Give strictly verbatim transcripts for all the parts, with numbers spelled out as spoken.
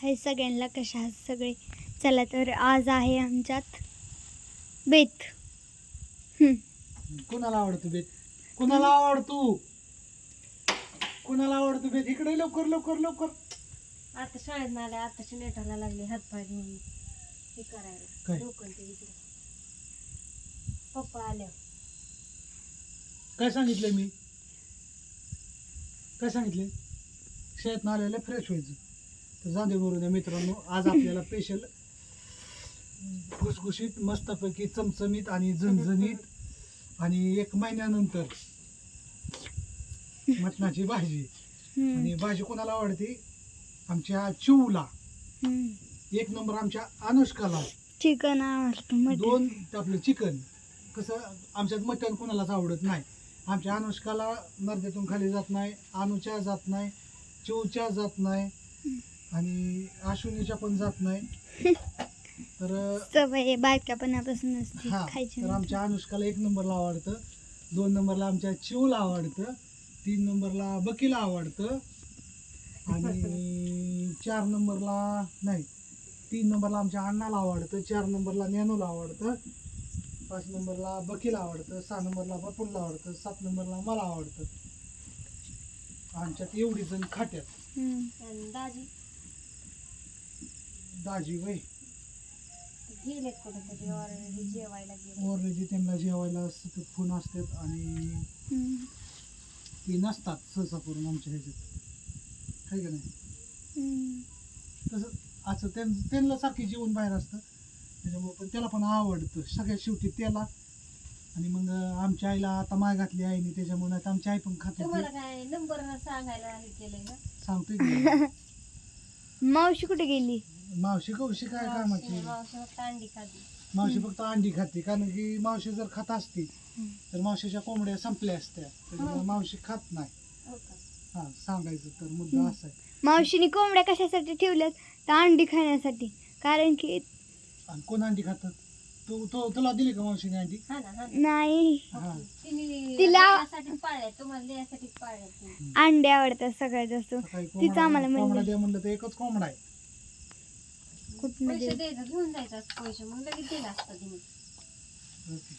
हाय सगळ्यांना, कशा आहात सगळे? चला तर आज आहे आमच्यात बेत. हम्म. कोणाला आवडतो बेत? कोणाला आवडतो? कोणाला आवडतो बेत? इकडे लवकर लवकर लवकर. आता शाळेत आले, आताशी नेटाला लागले हात पाय धुवून हे करायला. काय? डोकं ते इकडे. पप्पा आले. काय सांगितलंय मी? काय सांगितले? शाळेत आलेलं फ्रेश व्हायचं. तर जांदे बरोबर मित्रांनो, आज आपल्याला स्पेशल घुसघुशीत मस्तपैकी चमचमीत आणि झणझणीत आणि एक महिन्यानंतर मटणाची भाजी. आणि भाजी कोणाला आवडते? आमच्या चिवला. एक नंबर आमच्या अनुष्काला चिकन आवडतं. दोन आपलं चिकन. कसं आमच्यात मटण कोणालाच आवडत नाही. आमच्या अनुष्काला नर्द्यातून खाली जात नाही, अनुच्या जात नाही, चिवच्या जात नाही आणि अश्विनीच्या पण जात नाही. तर सवय बायकापणापासून असते हा, खायची. तर आमच्या अनुष्काला एक नंबरला आवडतं, दोन नंबरला आमच्या चिवला आवडतं, तीन नंबरला बकीला आवडतं आणि चार नंबरला नाही तीन नंबरला आमच्या अण्णाला आवडतं, चार नंबरला ज्ञानूला आवडतं, पाच नंबरला बकीला आवडतं, सहा नंबरला बपुलला आवडतं, सात नंबरला मला आवडतं. आमच्यात एवढी जण खात्यात. आणि दाजी दाजी वय गेले कुठं तरी ऑलरेडी जेवायला गेले. ओरजी त्यांना जेवायला सतत फोन असतात आणि ती नसतात सहसा करून आमच्या ह्याच्यात, आहे का नाही? तसं असं त्यां त्यांना सारखी जेवण बाहेर असतं त्याच्यामुळे, पण त्याला पण आवडतं सगळ्यात शेवटी त्याला. आणि मग आमच्या आईला आता माय घातली आईने, त्याच्यामुळे नाही तर आमची आई पण खाते. तुम्हाला काय नंबर सांगायला हे केलंय का? सांगतोय की मावशी कुठे गेली? मावशी कवशी काय कामाची? मावशी फक्त अंडी खाती. मावशी फक्त अंडी खाते, कारण की मावशी जर खात असती तर मावशीच्या कोंबड्या संपल्या असत्या, त्याच्यामुळे मावशी खात नाही. हो का? हा, सांगायचं तर मुद्दा असा आहे. मावशीने कोंबड्या कशासाठी ठेवल्यात? तर अंडी खाण्यासाठी. कारण की आणि कोण अंडी खात? तू तू तुला दिली का मावशीने अंडी? हा ना, हा ना. नाही, हा, तिने तिला- त्यासाठीच पाळल्या, तुम्हाला द्यायसाठीच पाळल्या तिने. अंडे आवडतात सगळ्यात जास्त. सकाळी तिचं आम्हाला कोंबडा कोंबडा म्हणलं द्या म्हणलं तर एकच कोंबडा आहे. कुठं पैसे द्यायचं, घेऊन जायचं असं पैसे, मग लगेच दिला असतं तिने. ओके.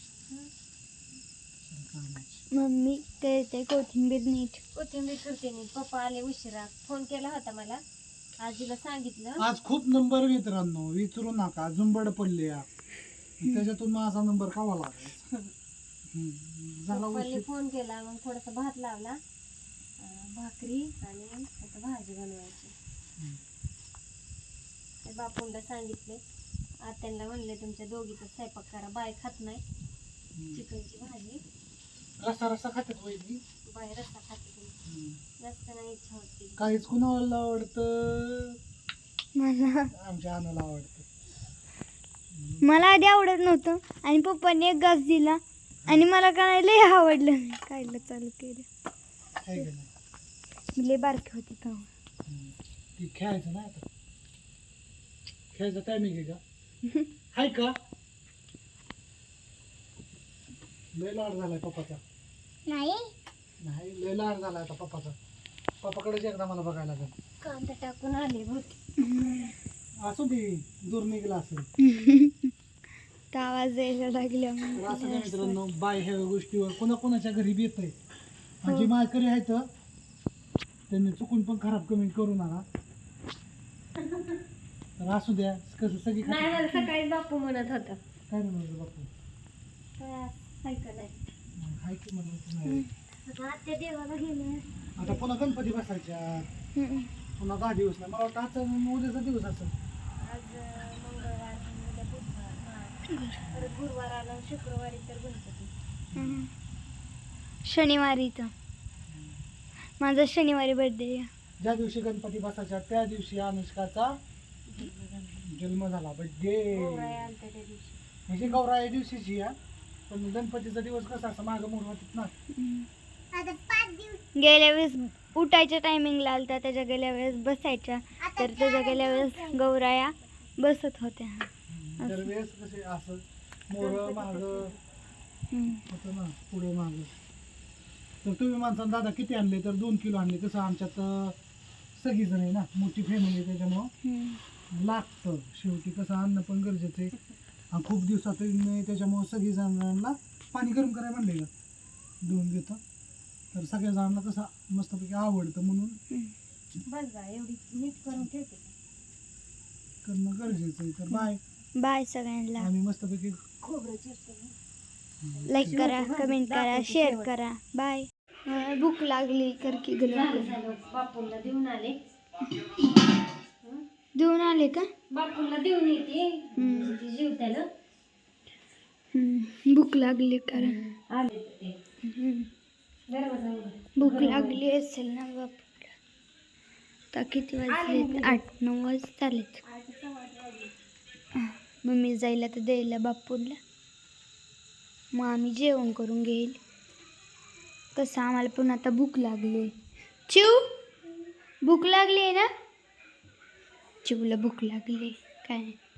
मम्मी ते ते कोथिंबीर नीट. कोथिंबीर करते मी. पप्पा आले उशिरा, फोन केला होता मला, आजीला सांगितलं. आज खूप नंबर मित्रांनो, विचारू नका, झुंबड पडले या. त्याच्यातून माझा नंबर कावा लागायचा. हम्म, झाला पप्पांनी उशीर. फोन केला, मग थोडासा भात लावला, अं, भाकरी आणि आता भाजी बनवायची. हम्म. ते बापूंना सांगितले, आत्यांना म्हणले तुमच्या दोघीचा स्वयंपाक करा, बाय खात नाही हम्म. चिकनची भाजी, रस्सा रस्सा खात्यात वहिनी. बाय रस्सा खाते तुम्ही. हम्म. जास्त नाही इच्छा होती. काहीच कुणाला आवडतं? मला आमच्या आणाला आवडतं. मला आधी आवडत नव्हतं आणि पप्पाने एक घास दिला आणि मला काय लय आवडलं. मी खायला चालू केलं. आहे का नाही? मी लय बारकी होती तेव्हा. हम्म. ती खेळायचं ना आता, खेळायचा टायमिंग आहे का? हाय का? लय लाड झालाय पप्पाचा. नाही, नाही, लय लाड झालाय आता पप्पाचा. पप्पाकडेच एकदा मला बघायला लागेल. कांदा टाकून आले होते. असू दे, दूर निघला असेल. तर आवाज यायला लागला. तर असं काय मित्रांनो, बाय ह्या गोष्टीवर कोणा कोणाच्या घरी येत आहे. म्हणजे माळकरी आहेत त्यांनी चुकून पण खराब कमेंट करू नका. तर असू द्या, कसं सगळी नाही खातात. मला सकाळी बापू म्हणत होता. काय म्हणायचं बापू? काय ऐकत आहे. हाय की म्हणायचं नाही. आता आत्या देवाला गेले. आता पुन्हा गणपती बसायच्या, हम्म. पुन्हा दहा दिवस नाही. मला वाटतं आजचा उद्याचा दिवस असेल. आज अं, मंगळवार आणि उद्या बुधवार, हा. परत गुरुवार आला, शुक्रवारी तर गणपती. हम्म. शनिवारी तर माझा शनिवारी बर्थडे. ज्या दिवशी गणपती बसायच्या त्या दिवशी अनुष्काचा जन्म झाला, बर्थडे. गौराई आलत्या त्या दिवशी. म्हणजे गौराया दिवशीची या, पण गणपतीचा दिवस कसा असं मागं मोर होतात ना. गेल्या वेळेस उठायच्या टायमिंगला आलता, त्याच्या गेल्या वेळेस बसायच्या, तर त्याच्या गेल्या वेळेस गौराया बसत होत्या. दरवेळेस कसे असं मोर माग होतं ना, पुढे माग. तर तुम्ही माणसानं दादा किती आणले? तर दोन किलो आणले. कसं आमच्यात सगळी जण आहे ना, मोठी फॅमिली, त्याच्यामुळं लागतं. शेवटी कसं अन्न पण गरजेचं आहे आणि खूप दिवसात नाही, त्याच्यामुळे सगळी जणांना पाणी गरम करायला म्हणले का देऊन घेतं. तर सगळ्या जणांना कसं मस्तपैकी आवडतं म्हणून बस बा एवढी नीट करून ठेवते. करणं गरजेचं आहे. तर बाय. बाय सगळ्यांना. आम्ही मस्तपैकी खोबरं चिरते. लाईक करा, कमेंट करा, शेअर करा. बाय. भूक लागली कर की झालं गरम. झालं बापूंना देऊन आले. देऊन आले का? बापूंना देऊन येते जीव त्याला हम्म, भूक लागली कारण आले ते हम्म, दरवाजा उघड. भूक लागली असेल ना बापूला. आता किती वाजले? आठ नऊ वाजता आलेत. आठचा वाजता वाजले. मम्मी जायला तर द्यायला बापूला. मग आम्ही जेवण करून घेईल. कसं आम्हाला पण आता भूक लागली. चिव भूक लागली आहे ना? चिवला भूक लागली काय